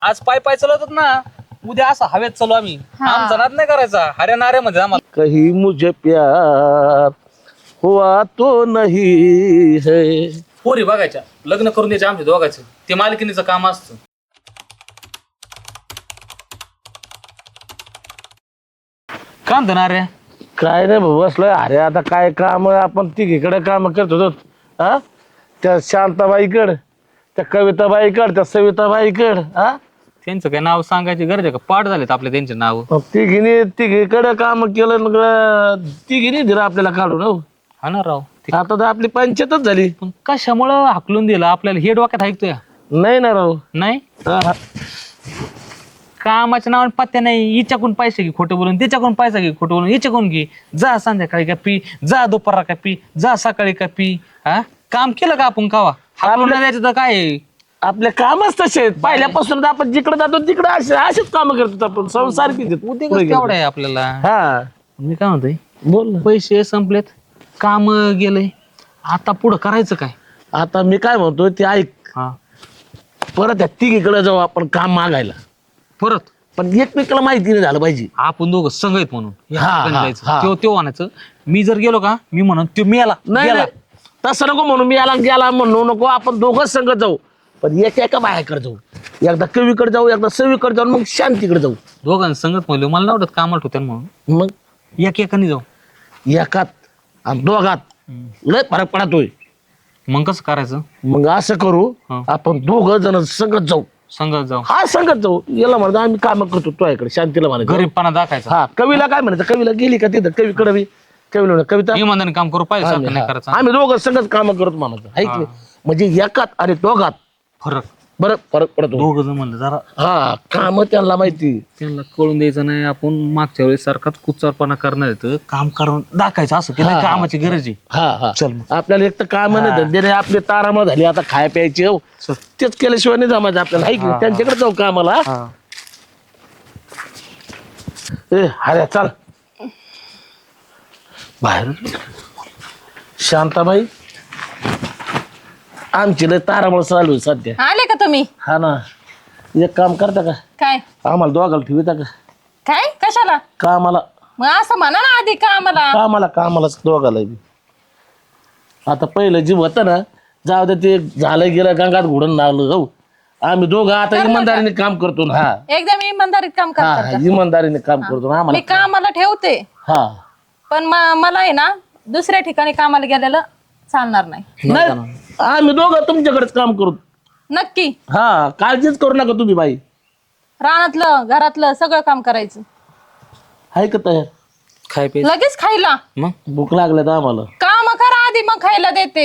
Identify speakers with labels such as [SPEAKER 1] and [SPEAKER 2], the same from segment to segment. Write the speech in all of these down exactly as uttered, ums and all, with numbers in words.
[SPEAKER 1] आज पाय पाय चालवतात ना, उद्या असं हवेत चालू आम्ही. आमचा नाद नाही करायचा हरियाणाऱ्यामध्ये आम्हाला.
[SPEAKER 2] कहीं मुझे प्यार हुआ तो नहीं है.
[SPEAKER 1] पोरी बघायच्या, लग्न करून द्यायचे आमच्या दोघांचं. ते मालकिनीचं काम असतं. काम धरणार रे.
[SPEAKER 2] काय नाही भाऊ बसलोय. अरे आता काय काम आपण तिघीकडे काम करत होतो. हा त्या शांताबाईकड, त्या कविताबाईकड, त्या सविताबाईकड. हा
[SPEAKER 1] त्यांचं काय नाव सांगायची गरज आहे का? पाठ झालेत आपले त्यांचे नाव.
[SPEAKER 2] तिघीने तिघीकडे काम केलं मग तिघीने दिलं आपल्याला काढून. हो
[SPEAKER 1] हा ना राव. ते
[SPEAKER 2] आता तर आपली पंचायतच झाली.
[SPEAKER 1] पण कशामुळं हाकलून दिलं आपल्याला हे डोक्यात ऐकतोय
[SPEAKER 2] नाही ना राव.
[SPEAKER 1] नाही.
[SPEAKER 2] हा, हा.
[SPEAKER 1] कामाच्या नावाने पत्त्या नाही. हिच्याकडून पैसे घे खोटं बोलून, त्याच्याकडून पैसा घे खोटं बोलून, हिच्याकडून घे. जा संध्याकाळी का पी, जा दुपारा का पी, जा सकाळी का पी. हा काम केलं का आपण कावा? हाकलून नाही द्यायचं तर काय आहे?
[SPEAKER 2] आपले कामच तसे आहेत. पहिल्यापासून आपण जिकडे जातो तिकडे असे असेच काम करतो आपण. संसार किती
[SPEAKER 1] उद्योग केवढा आहे आपल्याला.
[SPEAKER 2] हा
[SPEAKER 1] मी काय म्हणतोय,
[SPEAKER 2] बोल ना.
[SPEAKER 1] पैसे संपलेत, काम गेलंय, आता पुढं करायचं काय?
[SPEAKER 2] आता मी काय म्हणतो ते ऐक.
[SPEAKER 1] हा
[SPEAKER 2] परत त्या तिघीकडे जाऊ आपण काम मागायला.
[SPEAKER 1] परत
[SPEAKER 2] पण एकमेकाला माहिती नाही झालं पाहिजे.
[SPEAKER 1] आपण दोघं संघ आहेत म्हणून
[SPEAKER 2] हा, हा, हा.
[SPEAKER 1] तो तो आणायचं. मी जर गेलो का, मी म्हणून तो मी आला
[SPEAKER 2] नाही
[SPEAKER 1] गेला.
[SPEAKER 2] नाही. तसं नको म्हणून मी याला गेला म्हणू नको. आपण दोघंच संगत जाऊ. पण एका एका बायाकडे जाऊ. एकदा कवीकडे जाऊ, एकदा सवीकडे जाऊ, मग शांतीकडे जाऊ.
[SPEAKER 1] दोघांना संगत म्हणलं मला नाही वाटत कामाला ठेवत्या म्हणून.
[SPEAKER 2] मग
[SPEAKER 1] एक एकाने जाऊ.
[SPEAKER 2] एकात आणि दोघात लय फरक पडतोय.
[SPEAKER 1] मग कसं करायचं?
[SPEAKER 2] मग असं करू,
[SPEAKER 1] हा.
[SPEAKER 2] आपण दोघं जण संगत जाऊ.
[SPEAKER 1] संगत जाऊ.
[SPEAKER 2] हा संगत जाऊ. याला म्हणतो आम्ही काम करतो तो इकडे, शांतीला म्हणायचं.
[SPEAKER 1] गरीबपणा दाखायचा.
[SPEAKER 2] हा कवीला काय म्हणायचं, कवीला गेली का तिथं कवीकडे बी कवीला म्हणा, कविता
[SPEAKER 1] इमानदारीने काम करू पाहिजे, सारखं
[SPEAKER 2] आम्ही
[SPEAKER 1] नाही
[SPEAKER 2] हा.
[SPEAKER 1] करायचं.
[SPEAKER 2] आम्ही दोघं संगत काम करतो म्हणायचं आहे की नाही? म्हणजे एकात आणि दोघात
[SPEAKER 1] फरक
[SPEAKER 2] बरं फरक पडतो.
[SPEAKER 1] दोघ जण म्हणलं जरा
[SPEAKER 2] हा काम त्यांना माहिती.
[SPEAKER 1] त्यांना कळून द्यायचं नाही आपण मागच्या वेळेस सारखाच कुचारपणा करणार येतं. काम करून दाखायचं असं की नाही कामाची गरज आहे.
[SPEAKER 2] हा हा
[SPEAKER 1] चल मग.
[SPEAKER 2] आपल्याला एक तर काम नाही धंदे नाही. आपली तारामळ झाली आता खाय प्यायची. हो
[SPEAKER 1] चल.
[SPEAKER 2] तेच केल्याशिवाय नाही जमायचं आपल्याला आहे की नाही? त्यांच्याकडे जाऊ कामाला.
[SPEAKER 1] हा.
[SPEAKER 2] ए अरे चल बाहेर. शांताबाई आमची लय तारामळ चालू आहे सध्या.
[SPEAKER 3] आले का तुम्ही?
[SPEAKER 2] हा ना. एक काम करता का,
[SPEAKER 3] काय
[SPEAKER 2] आम्हाला दोघाला ठेवता का
[SPEAKER 3] काय कशाला?
[SPEAKER 2] कामाला?
[SPEAKER 3] मग असं म्हणा ना आधी का आम्हाला.
[SPEAKER 2] कामाला कामालाच दोघाला बी. आता पहिलं जीव होतं ना, जाऊ दे ते झालं गेलं गंगात घोडून लागलं. हो आम्ही दोघं आता इमानदारीने काम करतो ना. हा
[SPEAKER 3] एकदम इमानदारीत काम
[SPEAKER 2] हा
[SPEAKER 3] करतात का?
[SPEAKER 2] इमानदारीने काम करतो ना
[SPEAKER 3] मी
[SPEAKER 2] आम्हाला.
[SPEAKER 3] कामाला ठेवते,
[SPEAKER 2] हा
[SPEAKER 3] पण म- मला आहे ना दुसऱ्या ठिकाणी कामाला गेलेलं चालणार नाही.
[SPEAKER 2] नाही आम्ही दोघं तुमच्याकडेच काम करू.
[SPEAKER 3] नक्की.
[SPEAKER 2] हा काळजीच करू नका तुम्ही बाई.
[SPEAKER 3] रानातलं घरातलं सगळं काम करायचं.
[SPEAKER 2] आहे का तयार?
[SPEAKER 1] खाय पे
[SPEAKER 3] लगेच खायला.
[SPEAKER 1] मग
[SPEAKER 2] भूक लागल्यात आम्हाला.
[SPEAKER 3] काम करा आधी मग खायला देते.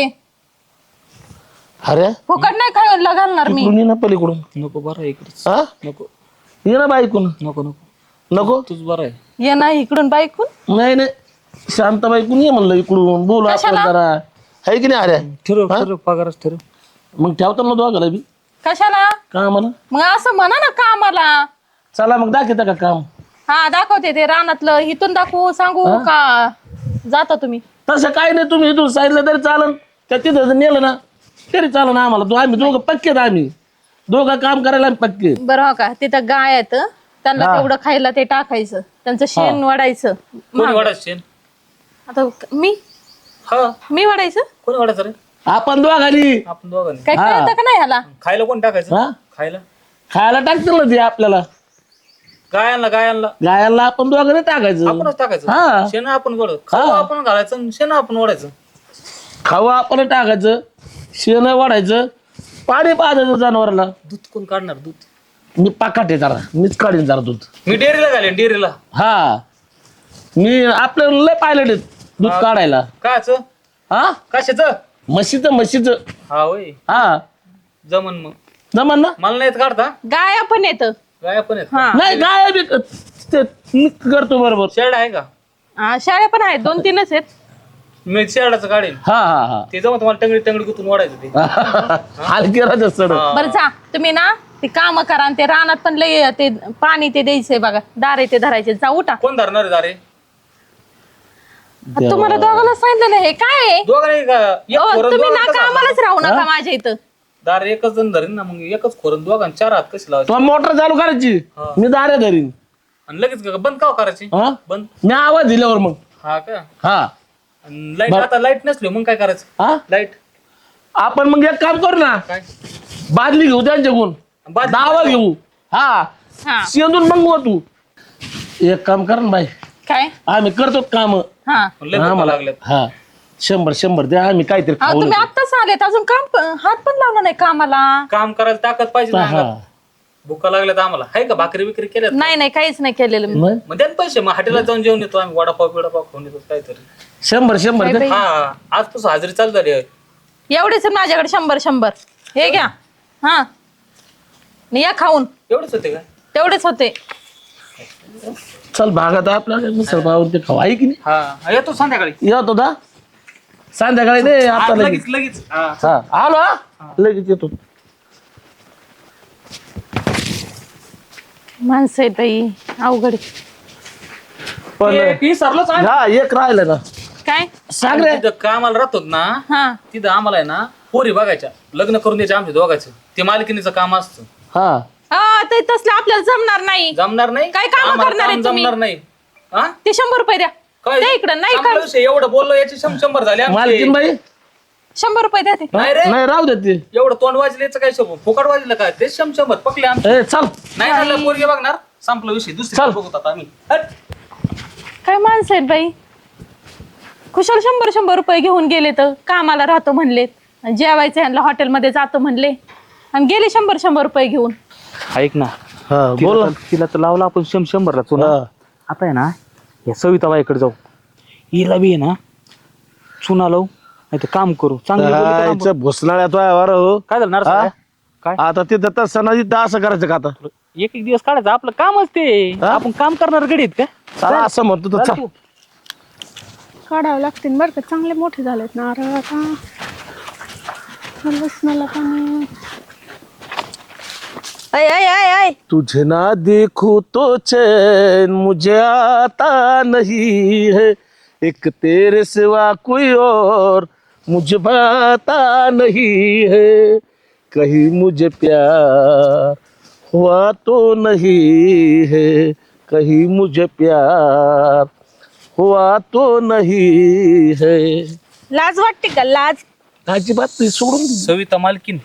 [SPEAKER 2] अरे
[SPEAKER 3] फुकट नाही खायला घालणार मी.
[SPEAKER 2] इकडून ये ना पलीकडून.
[SPEAKER 1] नको बरं आहे इकडे.
[SPEAKER 2] हा
[SPEAKER 1] नको
[SPEAKER 2] ये ना बाईकून.
[SPEAKER 1] नको नको
[SPEAKER 2] नको
[SPEAKER 1] तूच बरं आहे.
[SPEAKER 3] ये नाही इकडून बाईकून.
[SPEAKER 2] नाही नाही शांताबाईकून ये म्हणलं इकडून. बोलू आपण
[SPEAKER 3] कशाला?
[SPEAKER 2] जरा आहे की नाही? अरे
[SPEAKER 1] ठरव ठरव पगारच ठरव.
[SPEAKER 2] मग ठेवता ना दोघाला बी
[SPEAKER 3] कशाला?
[SPEAKER 2] कामाला.
[SPEAKER 3] मग असं म्हणा ना कामाला.
[SPEAKER 2] चला मग दाखवता का काम?
[SPEAKER 3] हा दाखवते ते रानातलं. इथून दाखवू सांगू का जाता तुम्ही?
[SPEAKER 2] तसं काय नाही. तुम्ही इथून सांगितलं तरी चालन. त्या तिथं जर नेलं ना तरी चालन आम्हाला. तो आम्ही दोघं पक्के आहेत. आम्ही दोघं काम करायला आम्ही पक्के.
[SPEAKER 3] बरं हो का, तिथं गाय आहेत त्यांना
[SPEAKER 2] हा.
[SPEAKER 3] तेवढं खायला ते टाकायचं, त्यांचं शेण वाढायचं.
[SPEAKER 1] कोणी वाढायचं शेण?
[SPEAKER 3] आता मी
[SPEAKER 1] हा
[SPEAKER 3] मी वाढायचं
[SPEAKER 1] कोणी वाढायचं रे?
[SPEAKER 2] आपण दोघांनी.
[SPEAKER 1] आपण दोघांनी.
[SPEAKER 3] काय
[SPEAKER 2] हा.
[SPEAKER 3] कळतं का नाही ह्याला?
[SPEAKER 1] खायला कोण टाकायचं?
[SPEAKER 2] हा
[SPEAKER 1] खायला
[SPEAKER 2] खायला टाकतील ना ते आपल्याला.
[SPEAKER 1] गायांना गायांना
[SPEAKER 2] गायाला आपण दोघांनी टाकायचं.
[SPEAKER 1] आपणच
[SPEAKER 2] हा.
[SPEAKER 1] टाकायचं. शेण आपण गोड खाऊ आपण घालायचं आणि शेण आपण ओढायचं.
[SPEAKER 2] खाऊ आपण टाकायचं, शेण वाढायचं, पाणी पाजायचं जनावराला.
[SPEAKER 1] दूध कोण काढणार? दूध
[SPEAKER 2] मी पाकाटे जरा मीच काढीन जरा दूध.
[SPEAKER 1] मी डेअरीला घालेन डेअरीला.
[SPEAKER 2] हा मी आपल्याला लय पायलट आहेत दूध काढायला.
[SPEAKER 1] काच
[SPEAKER 2] हा
[SPEAKER 1] कशाच?
[SPEAKER 2] म्हशीचं म्हशीचं.
[SPEAKER 1] हा होय
[SPEAKER 2] हा
[SPEAKER 1] जमन मग.
[SPEAKER 2] जमान ना.
[SPEAKER 1] मला नाही येत काढता.
[SPEAKER 3] गाय पण येत.
[SPEAKER 1] गाया पण आहेत.
[SPEAKER 3] हा
[SPEAKER 2] नाही गाय बी ते मी करतो बरोबर.
[SPEAKER 1] शेड आहे का?
[SPEAKER 3] हा, शाळ्या पण आहेत, दोन तीनच आहेत.
[SPEAKER 1] मी शेडाचं काढेन.
[SPEAKER 2] हा हा हा
[SPEAKER 1] ते जमत मला टंगडी टंगडी गुतून ओढायचं ते.
[SPEAKER 2] हलकी राहते सड.
[SPEAKER 3] बरं जा तुम्ही ना ते काम करा आणि ते रानात पण लय ते पाणी ते द्यायचंय बघा. दारे ते धरायचे. जा उठा.
[SPEAKER 1] कोण धरणार आहे दारे?
[SPEAKER 3] तुम्हाला दोघांना सांगितलं हे काय आहे?
[SPEAKER 1] दोघांनी का? एक
[SPEAKER 3] अहो,
[SPEAKER 1] पोरं
[SPEAKER 3] तुम्ही
[SPEAKER 1] दोघं
[SPEAKER 3] ना
[SPEAKER 1] कसं
[SPEAKER 3] कामालाच राहू नका माझ्या इथं.
[SPEAKER 1] दार एकच जण धरीन ना मग एकच खोरण दोघां चार हात कशी लावायचे
[SPEAKER 2] तो मोटर चालू करायची मी दारे धरीन
[SPEAKER 1] आणि लगेच का- बंद का करायची
[SPEAKER 2] हा
[SPEAKER 1] बंद
[SPEAKER 2] मी आवाज दिल्यावर मग
[SPEAKER 1] हा का
[SPEAKER 2] हा
[SPEAKER 1] लाईट आता लाईट नसली मग काय करायचं
[SPEAKER 2] हा
[SPEAKER 1] लाईट
[SPEAKER 2] आपण मग एक काम करू ना
[SPEAKER 1] काय
[SPEAKER 2] बादली घेऊ त्यांच्याकडून
[SPEAKER 1] बादली-
[SPEAKER 2] दावा घेऊ हा
[SPEAKER 3] हा
[SPEAKER 2] शेंदून मग तू एक काम कर ना बाई
[SPEAKER 3] काय
[SPEAKER 2] आम्ही करतो काम
[SPEAKER 3] हा
[SPEAKER 1] लय भुका लागल्यात
[SPEAKER 2] हा शंभर शंभर द्या आम्ही काहीतरी
[SPEAKER 3] अहो,
[SPEAKER 2] खाऊ
[SPEAKER 3] तुम्ही आत्ताच आलेत अजून काम प- हात पण लावला नाही कामाला.
[SPEAKER 1] काम करायला ताकद पाहिजे ना
[SPEAKER 2] हा
[SPEAKER 1] अंगात. भुका लागल्यात आम्हाला आहे का भाकरी विक्री केल्यात
[SPEAKER 3] नाही नाही काहीच नाही केलेलं मी.
[SPEAKER 2] मग
[SPEAKER 1] मग द्या ना पैसे मग हॉटेलला जाऊन जेवण येतो आम्ही वडापाव बिडापाव खाऊन येतो काहीतरी
[SPEAKER 2] शंभर शंभर द्या.
[SPEAKER 1] हा आजपासून हाजरी चालू झाली आहे.
[SPEAKER 3] एवढेच आहेत माझ्याकडे शंभर शंभर हे घ्या हा आणि या खाऊन
[SPEAKER 1] एवढंच होते का
[SPEAKER 3] तेवढेच होते.
[SPEAKER 2] चल भागात आपल्याला मिसळ पाव ते खाऊ आहे की नाही
[SPEAKER 1] हा येतो संध्याकाळी
[SPEAKER 2] येतो दा संध्याकाळी नाही आता
[SPEAKER 1] आज
[SPEAKER 2] लगेच
[SPEAKER 1] लगेच लगेच हा.
[SPEAKER 2] हा आलो हा लगेच येतो
[SPEAKER 3] माणसं आहेत बाई अवघड आहे.
[SPEAKER 2] पण
[SPEAKER 1] ते विसरलोच आम्ही.
[SPEAKER 2] हा एक राहिलं ना
[SPEAKER 3] काय
[SPEAKER 2] सांग रे
[SPEAKER 1] तिथं कामाला राहतो ना
[SPEAKER 3] हा
[SPEAKER 1] तिथं आम्हाला आहे ना पोरी बघायच्या लग्न करून द्यायचे आमच्या दोघांचं ते मालकीनीचं काम असतं
[SPEAKER 2] हा
[SPEAKER 3] हा, ते तसलं आपल्याला जमणार नाही.
[SPEAKER 1] जमणार नाही
[SPEAKER 3] काय कामं
[SPEAKER 1] आम्हाला
[SPEAKER 3] करणार आहे
[SPEAKER 1] काम
[SPEAKER 3] तुम्ही?
[SPEAKER 1] जमणार नाही हा
[SPEAKER 3] ते शंभर रुपये द्या
[SPEAKER 1] काय
[SPEAKER 3] द्या इकडं नाही
[SPEAKER 1] संपला
[SPEAKER 3] का
[SPEAKER 1] विषय, एवढं बोललो याचे शं- शंभर झाले आमचे.
[SPEAKER 2] मालकीन बाई
[SPEAKER 3] शंभर रुपये द्या ते.
[SPEAKER 1] नाही रे
[SPEAKER 2] नाही राहू दे ते
[SPEAKER 1] एवढं तोंड वाजल्याचं काय शोभ फुकट वाजलं काय ते शं- शंभर पकले आमचे
[SPEAKER 2] ए चल
[SPEAKER 1] नाही झालं पोरगे बघणार संपला विषय दुसरी
[SPEAKER 2] चल.
[SPEAKER 1] बघत आता आम्ही हट.
[SPEAKER 3] काय माणसं आहेत बाई खुशाल शंभर शंभर रुपये घेऊन गेले तर कामाला राहतो म्हणले जेवायचं ह्यांना हॉटेलमध्ये जातो म्हणले आणि गेले शंभर शंभर रुपये घेऊन.
[SPEAKER 1] ऐक ना
[SPEAKER 2] हा बोल
[SPEAKER 1] तिला तर- तिला तर लावला आपण शं शंभरला चुना
[SPEAKER 2] हा.
[SPEAKER 1] आता आहे ना या सविताबाईकडे जाऊ हिला बी आहे ना चुना लावू नाही तर काम करू चांगलं बोलली तर काम करू.
[SPEAKER 2] इथं भुसनाळ्यात वावर हो
[SPEAKER 1] काय झालं नरसा
[SPEAKER 2] हा?
[SPEAKER 1] काय
[SPEAKER 2] आता ते दत्ता सणाजी असं करायचं का आता
[SPEAKER 1] एक एक दिवस काढायचं आपलं कामच ते
[SPEAKER 2] हा?
[SPEAKER 1] आपण काम करणार गडीत का
[SPEAKER 2] चला असं म्हणतो तर
[SPEAKER 1] चल
[SPEAKER 2] चल
[SPEAKER 1] तू.
[SPEAKER 4] काढावं लागतील बरं का चांगले मोठे झालेत नारळ आता लसणाला पाणी
[SPEAKER 3] ऐ ऐ ऐ ऐ
[SPEAKER 2] तुझे ना देखूं तो चैन मुझे आता नहीं है एक तेरे सिवा कोई और मुझे भाता नहीं है कहीं मुझे प्यार हुआ तो नहीं है कहीं मुझे प्यार हुआ तो नहीं है
[SPEAKER 3] लाज वाटते का लाज.
[SPEAKER 2] अजिबात नाही सोडून दे.
[SPEAKER 1] सविता मालकीन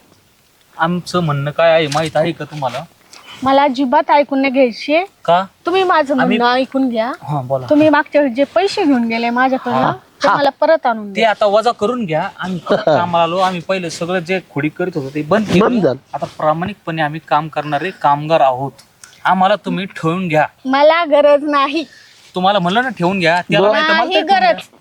[SPEAKER 1] आमचं म्हणणं काय आहे माहित आहे का तुम्हाला
[SPEAKER 4] मला अजिबात ऐकून नाही घ्यायचे
[SPEAKER 1] का
[SPEAKER 4] तुम्ही माझं
[SPEAKER 1] आम्ही-
[SPEAKER 4] म्हणणं ऐकून घ्या
[SPEAKER 1] हा बोला
[SPEAKER 4] तुम्ही मागच्या वेळी जे पैसे घेऊन गेले माझ्याकडनं ते मला परत आणून
[SPEAKER 1] ते
[SPEAKER 4] द्या.
[SPEAKER 1] आता वजा करून घ्या आम्ही परत कामाला आलो आम्ही पहिले सगळं जे खोडी करीत होतो ते बंद
[SPEAKER 2] बंद
[SPEAKER 1] केलं
[SPEAKER 2] झालं.
[SPEAKER 1] आता प्रामाणिकपणे आम्ही काम करणारे कामगार आहोत आम्हाला तुम्ही ठेवून घ्या
[SPEAKER 4] मला गरज नाही
[SPEAKER 1] तुम्हाला म्हणलं ना ठेवून घ्या त्याला नाही तर मला
[SPEAKER 4] नाही
[SPEAKER 1] तरी ठेवून
[SPEAKER 4] गरज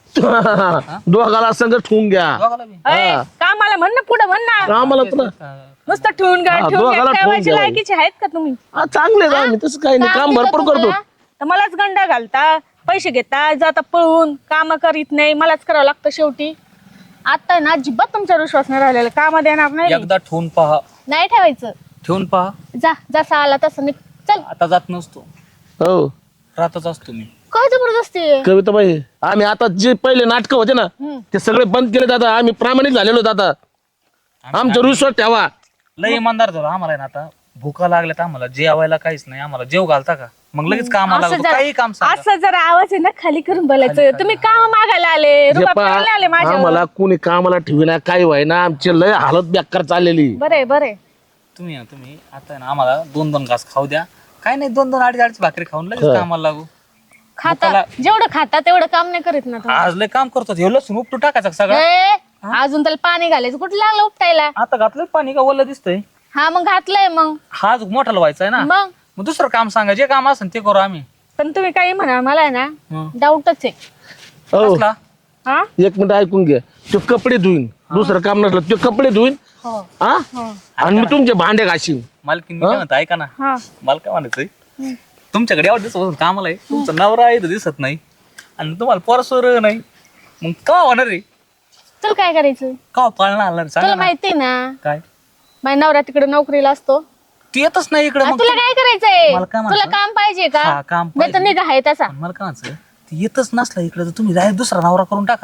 [SPEAKER 2] दोघाला संग ठेवून घ्या
[SPEAKER 1] घ्या. दोघाला बी.
[SPEAKER 3] ऐ, कामाला म्हण ना पुढे म्हण ना
[SPEAKER 2] आम्हाला तुला
[SPEAKER 3] नुसतं ठेवून घ्या
[SPEAKER 2] हा,
[SPEAKER 3] ठेवून घ्या
[SPEAKER 2] दोघाला ठेवून
[SPEAKER 3] ठेवायची
[SPEAKER 2] घ्या.
[SPEAKER 3] लायकीचे आहेत का तुम्ही.
[SPEAKER 2] हा, चांगले आहे आम्ही तसं काही नाही काम
[SPEAKER 4] दिलं
[SPEAKER 2] भरपूर करतो
[SPEAKER 4] तुम्हाला,
[SPEAKER 3] तर मलाच गंडा घालता पैसे घेता जाता पळून काम करीत नाही मलाच करावं लागतं शेवटी.
[SPEAKER 4] आता ना अजिबात तुमच्यावर विश्वास नाही राहिलेला कामात येणार नाही
[SPEAKER 1] एकदा ठेवून पहा
[SPEAKER 4] नाही ठेवायचं
[SPEAKER 1] ठेवून पहा
[SPEAKER 4] जा जसा आला तसं निघ चल
[SPEAKER 1] आता जात नसतो
[SPEAKER 2] हो
[SPEAKER 1] राहतच असतो मी
[SPEAKER 4] काय जबरदस्ती आहे?
[SPEAKER 2] कविताबाई आम्ही आता जे पहिले नाटक होते ना ते सगळे बंद केले आता आम्ही प्रामाणिक झालेलो आहोत आता आमचा विश्वास ठेवा
[SPEAKER 1] लय इमानदार झालो आम्हाला आहे ना आता भुका लागल्यात आम्हाला जेवायला काहीच नाही आम्हाला जेव घालता का मग लगेच कामाला
[SPEAKER 3] असं
[SPEAKER 1] लागतो काही काम
[SPEAKER 3] जरा
[SPEAKER 1] सांगा
[SPEAKER 3] असं जरा आवाज आहे ना खाली करून बोलायचं. तुम्ही काम मागायला आले
[SPEAKER 2] जे
[SPEAKER 3] रुबाब
[SPEAKER 2] पहा,
[SPEAKER 3] करायला आले माझ्यावर.
[SPEAKER 2] आम्हाला कोणी कामाला ठेवीना काही व्हायना आमची लय हालत बेकार चाललेली
[SPEAKER 3] बरे बरे
[SPEAKER 1] तुम्ही ना तुम्ही आता आहे ना आम्हाला दोन दोन घास खाऊ द्या काय नाही दोन दोन अडीच अडीच भाकरी खाऊन लगेच कामाला लागू
[SPEAKER 4] खाता जेवढं खाता तेवढं काम नाही करीत ना तुम्ही.
[SPEAKER 1] आज लय काम करतो हे लसूण उपटू टाकायचं सगळं
[SPEAKER 4] ए, अजून त्याला पाणी घालायचं कुठं लागलं उपटायला
[SPEAKER 1] आता घातलं पाणी का ओलं दिसतंय
[SPEAKER 4] हा मग घातलंय मग
[SPEAKER 1] हा जो मोठाला व्हायचा आहे ना
[SPEAKER 4] मग
[SPEAKER 1] मग दुसरं काम सांगा जे काम असेल ते करू आम्ही
[SPEAKER 3] पण तुम्ही काही म्हणा मला आहे ना
[SPEAKER 1] हं.
[SPEAKER 4] डाऊटच आहे
[SPEAKER 2] हो
[SPEAKER 1] कसला?
[SPEAKER 3] हा
[SPEAKER 2] एक मिनिट ऐकून घ्या तो कपडे धुईन दुसरं काम नसलं तो कपडे धुईन
[SPEAKER 4] हो
[SPEAKER 2] हा आणि मी तुमचे भांडे घासीन
[SPEAKER 1] मालकीन मी काय म्हणतो ऐका ना
[SPEAKER 3] हा
[SPEAKER 1] मला काय म्हणायचंय तुमच्याकडे एवढं दिवस कामाला आहे तुमचा नवरा आहे तर दिसत नाही आणि तुम्हाला परसवर नाही मग का होणार आहे
[SPEAKER 4] तुला काय करायचं
[SPEAKER 1] का पाळणा आला रे? सांगा
[SPEAKER 4] तुला
[SPEAKER 1] ना.
[SPEAKER 4] माहितीये ना
[SPEAKER 1] काय
[SPEAKER 4] माझ्या नवरा तिकडे नोकरीला असतो
[SPEAKER 1] ती येतच नाही इकडे
[SPEAKER 4] आ,
[SPEAKER 1] मग
[SPEAKER 4] तुला काय करायचंय
[SPEAKER 1] मला काय
[SPEAKER 4] तुला
[SPEAKER 1] म्हणायचं?
[SPEAKER 4] काम पाहिजे
[SPEAKER 1] हा,
[SPEAKER 4] का
[SPEAKER 1] काम
[SPEAKER 4] नाही तर
[SPEAKER 1] पाहिजे.
[SPEAKER 4] निघा आहे तसा
[SPEAKER 1] पण मला काय म्हणायचं ती येतच नसला इकडे तर तुम्ही direct दुसरा नवरा करून टाका ना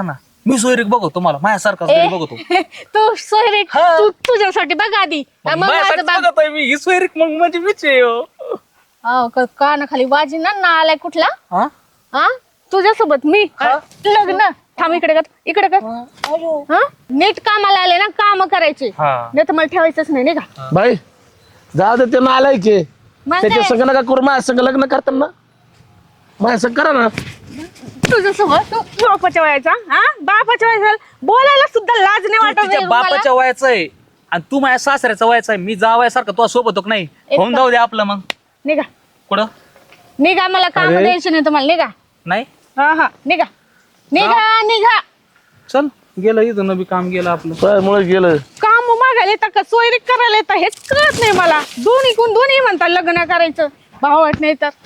[SPEAKER 1] मी सोयरीक बघतो मला माझ्यासारखाच गडी बघतो
[SPEAKER 4] तू सोयरे
[SPEAKER 1] हा.
[SPEAKER 4] तू तुझ्यासाठी बघ आधी
[SPEAKER 1] मग
[SPEAKER 4] मग माझं
[SPEAKER 1] माझ्यासारखंच
[SPEAKER 4] बघ.
[SPEAKER 1] बघत आहे मी ही सोयरीक मग म्हणजे मीच आहे हो.
[SPEAKER 4] हो, क- कानाखाली वाजी ना ना आलाय कुठला
[SPEAKER 1] हा?
[SPEAKER 4] हा तुझ्यासोबत मी लग्न थांब इकडे कर इकडे कर हा नीट कामाला आले ना काम करायचे
[SPEAKER 1] हा.
[SPEAKER 4] नाही तर मला ठेवायचंच नाही नाही का
[SPEAKER 2] बाई जाऊ दे ते नालायचे
[SPEAKER 4] मग
[SPEAKER 2] त्याच्या
[SPEAKER 4] काय?
[SPEAKER 2] संग नका करू माझ्या संग लग्न करताना माझ्या संग करा ना
[SPEAKER 4] तुझ्यासोबत तू बापाच्या वयाचा हा बापाच्या वयाचा बोलायला सुद्धा लाज नाही
[SPEAKER 1] तू
[SPEAKER 4] वाटत
[SPEAKER 1] तिच्या
[SPEAKER 4] नाही तुम्हाला?
[SPEAKER 1] बापाच्या वयाचा आहे आणि तू माझ्या सासऱ्याचा वयाचा आहे मी जावयासारखा तुला सोबत होत नाही
[SPEAKER 4] एक
[SPEAKER 1] होऊन जाऊ दे आपलं मग
[SPEAKER 4] निघा
[SPEAKER 1] कुठं
[SPEAKER 4] निघा मला काम
[SPEAKER 2] अरे.
[SPEAKER 4] द्यायचे नाही तुम्हाला निघा
[SPEAKER 1] नाही
[SPEAKER 4] हा हा निघा निघा निघा
[SPEAKER 1] चल गेलं इथं बी काम गेलं आपलं
[SPEAKER 2] मुळे गेलं
[SPEAKER 4] काम मागायला येतात का सोयरी करायला येतात हेच कळत नाही मला दोन्ही कोण दोन्ही म्हणतात लग्न करायचं भावट नाही तर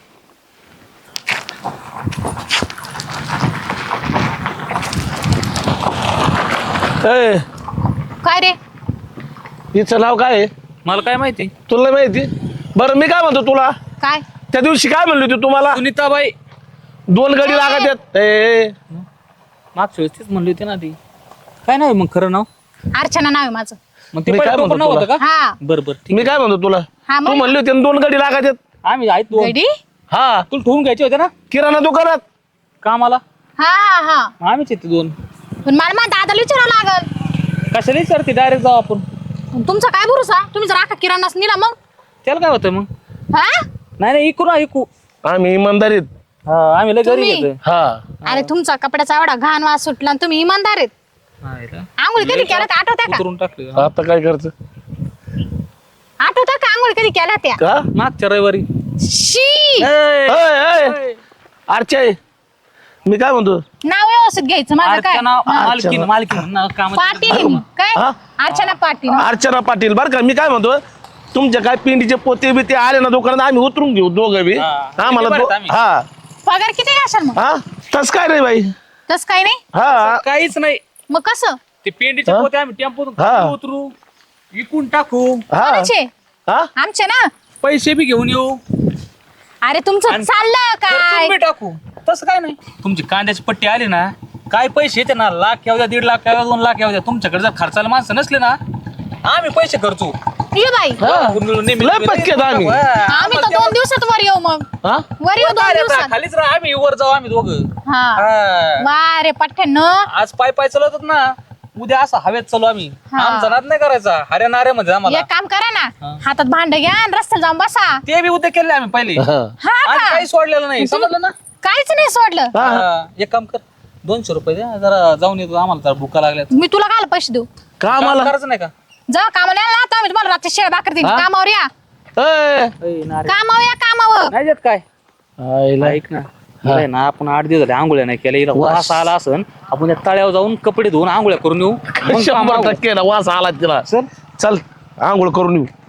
[SPEAKER 2] ए
[SPEAKER 4] काय रे
[SPEAKER 2] हिचं नाव काय आहे
[SPEAKER 1] मला काय माहिती
[SPEAKER 2] तुला माहिती बरं मी काय म्हणतो तुला
[SPEAKER 4] काय
[SPEAKER 2] त्या दिवशी काय म्हणली होती तुम्हाला
[SPEAKER 1] सुनीताबाई
[SPEAKER 2] दोन गडी लागत आहेत ए, ए,
[SPEAKER 1] मागच्या वेळेस तीच म्हणली होती ना ती काय नाही मग खरं नाव
[SPEAKER 3] अर्चना नाव आहे माझं.
[SPEAKER 1] मग ते
[SPEAKER 2] मी
[SPEAKER 1] पहिलं
[SPEAKER 2] काय
[SPEAKER 1] टोपण
[SPEAKER 2] म्हणतो
[SPEAKER 1] नाव होतं का
[SPEAKER 3] हा
[SPEAKER 1] बरं बरं ठीक
[SPEAKER 2] मी काय म्हणतो तुला
[SPEAKER 3] हा,
[SPEAKER 2] तू
[SPEAKER 3] मग?
[SPEAKER 2] म्हणली होती ना दोन गडी लागत आहेत
[SPEAKER 1] आम्ही आहेत दोन
[SPEAKER 3] गडी
[SPEAKER 2] हा
[SPEAKER 1] तुला ठेवून घ्यायचे होते ना
[SPEAKER 2] किराणा दुकानात
[SPEAKER 1] कामाला
[SPEAKER 3] हा हा हा
[SPEAKER 1] मग आम्हीच येते दोन
[SPEAKER 3] पण मला माझ्या दादाला विचारावं लागल.
[SPEAKER 1] कशाला विचारते डायरेक्ट जाऊ आपण
[SPEAKER 3] तुमचा काय भरोसा तुम्ही जर आखा किराणाच नेला मग
[SPEAKER 1] त्याला काय होतं मग
[SPEAKER 3] हा
[SPEAKER 1] नाही नाही इकू ना इकू
[SPEAKER 2] आम्ही इमानदारीत
[SPEAKER 1] हा आम्ही लय घरी
[SPEAKER 3] तुम्ही?
[SPEAKER 1] येतोय
[SPEAKER 2] हा
[SPEAKER 3] अरे तुमचा कपड्याचा एवढा घाण वास सुटला आणि तुम्ही इमानदार आहेत. आंघोळ कधी केल्या त्या आठवत्या का
[SPEAKER 1] उतरून टाकले
[SPEAKER 2] आता काय करत
[SPEAKER 3] आठवत्या का आंघोळ कधी केल्या त्या
[SPEAKER 2] का
[SPEAKER 1] मागच्या रविवारी
[SPEAKER 3] शी
[SPEAKER 2] अय, अय. अर्चय मी काय म्हणतो
[SPEAKER 3] नाव व्यवस्थित घ्यायचं माझं काय
[SPEAKER 1] अर्चना
[SPEAKER 3] हा.
[SPEAKER 1] मालकीन मालकीन नाव काम
[SPEAKER 3] पाटील काय
[SPEAKER 2] हा?
[SPEAKER 3] अर्चना पाटील
[SPEAKER 2] अर्चना पाटील बरं का मी काय म्हणतो तुमच्या काय पिंडीचे पोते बिते आले ना दुकानात आम्ही उतरून घेऊ दोघं बी
[SPEAKER 1] हा.
[SPEAKER 2] आम्हाला
[SPEAKER 1] किती
[SPEAKER 2] दो-
[SPEAKER 1] बरं आम्ही?
[SPEAKER 2] हा
[SPEAKER 3] पगार किती घ्याल मग
[SPEAKER 2] हा तस काय रे बाई
[SPEAKER 3] तस काही नाही
[SPEAKER 2] हा
[SPEAKER 1] काहीच नाही
[SPEAKER 3] मग कसं
[SPEAKER 1] ते पेंडीचे
[SPEAKER 2] हा?
[SPEAKER 1] पोते आम्ही टेम्पोतून
[SPEAKER 2] हा.
[SPEAKER 1] खाली उतरू विकून टाकू
[SPEAKER 2] हा
[SPEAKER 3] कोणाचे
[SPEAKER 2] हा
[SPEAKER 3] आमचे ना
[SPEAKER 1] पैसे बी घेऊन येऊ
[SPEAKER 3] अरे तुमचं
[SPEAKER 1] आणि
[SPEAKER 3] चाललं काय
[SPEAKER 1] खर्चून बी टाकू तसं काय नाही तुमची कांद्याची पट्टी आली ना काय पैसे येते ना लाख येऊ द्या दीड लाख येऊ द्या दोन लाख येऊ द्या तुमच्याकडे जर खर्चाला माणसं नसले ना आम्ही पैसे खर्चू
[SPEAKER 3] ये बाई
[SPEAKER 2] हा.
[SPEAKER 1] नेहमी-
[SPEAKER 2] लय पक्के आहेत आम्ही.
[SPEAKER 1] हा,
[SPEAKER 3] आम्ही तर दोन दिवसात वर येऊ मग
[SPEAKER 2] हा
[SPEAKER 3] वर येऊ दोन
[SPEAKER 1] काय रे आता,
[SPEAKER 3] दिवसात
[SPEAKER 1] खालीच राहा आम्ही वर जाऊ आम्ही दोघं
[SPEAKER 3] हा
[SPEAKER 1] हा.
[SPEAKER 3] वा रे पठ्ठ्यानं
[SPEAKER 1] आज पाय पाय चालवतात ना उद्या असं हवेत चालू आम्ही
[SPEAKER 3] हा.
[SPEAKER 1] आमचा नाद नाही करायचा हऱ्या नाऱ्यामध्ये आम्हाला
[SPEAKER 3] एक काम करा ना
[SPEAKER 1] हा.
[SPEAKER 3] हातात भांड घ्या आणि रस्त्याला जाऊन बसा
[SPEAKER 1] ते बी उद्या केले आम्ही पहिले
[SPEAKER 2] हा.
[SPEAKER 3] हा
[SPEAKER 1] आज
[SPEAKER 3] का
[SPEAKER 1] काही सोडलेलं नाही समजलं ना
[SPEAKER 3] काहीच नाही सोडलं
[SPEAKER 2] हा.
[SPEAKER 1] हा, एक काम कर दोनशे रुपये द्या जरा जाऊन येतो आम्हाला जरा भुका लागल्यात
[SPEAKER 3] मी तुला काल पैसे देऊ
[SPEAKER 2] का
[SPEAKER 1] काम
[SPEAKER 2] आम्हाला
[SPEAKER 1] करायचं नाही का
[SPEAKER 3] जा कामाला यायला ना आता मी तुम्हाला रात्री शेळ भाकर देईन
[SPEAKER 2] हा?
[SPEAKER 3] कामावर या
[SPEAKER 2] ए,
[SPEAKER 1] ए, नारे.
[SPEAKER 3] कामावर या कामावर
[SPEAKER 1] नाही देत काय
[SPEAKER 2] आईला.
[SPEAKER 1] ऐक ना नाही ना आपण आठ दिवस झाले आंघोळ्या नाही केल्या हिला
[SPEAKER 2] वास.
[SPEAKER 1] वास आला असन आपण त्या तळ्यावर जाऊन कपडे धुवून आंघोळ्या करून येऊ मग
[SPEAKER 2] शंभर
[SPEAKER 1] कामावर.
[SPEAKER 2] टक्के ना वास आला तिला
[SPEAKER 1] चल
[SPEAKER 2] चल आंघोळ करून येऊ